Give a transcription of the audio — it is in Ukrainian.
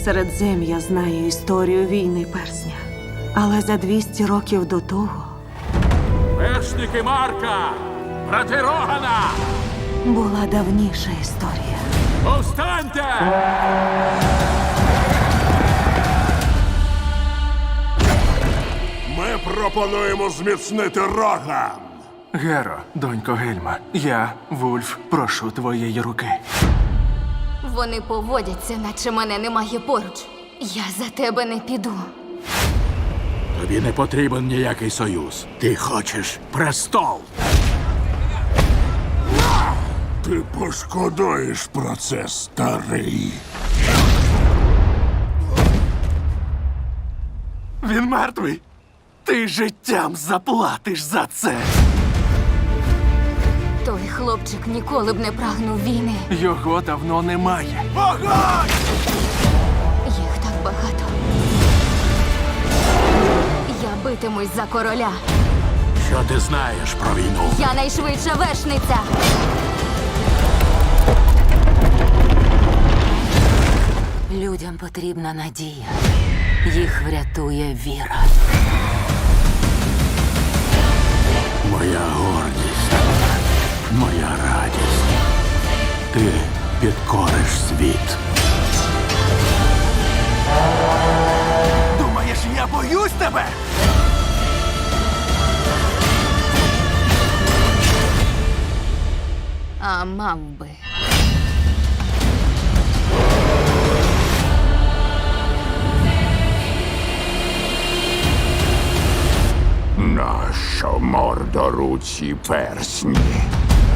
Середзем'я знає історію війни персня. Але за 200 років до того Вершники Марка! Брати Рогана! була давніша історія. Повстаньте! Ми пропонуємо зміцнити Роган. Геро, донько Гельма, я, Вульф, прошу твоєї руки. Вони поводяться, наче мене немає поруч. Я за тебе не піду. Тобі не потрібен ніякий союз. Ти хочеш престол. Ти пошкодуєш про це, старий. Він мертвий. Ти життям заплатиш за це. Той хлопчик ніколи б не прагнув війни. Його давно немає. Їх так багато. Я битимусь за короля. Що ти знаєш про війну? Я найшвидша вершниця. Людям потрібна надія. Їх врятує віра. Моя гордість, моя радість. Ти підкориш світ. Думаєш, я боюсь тебе? А мав би. Нащо мордоруці персні?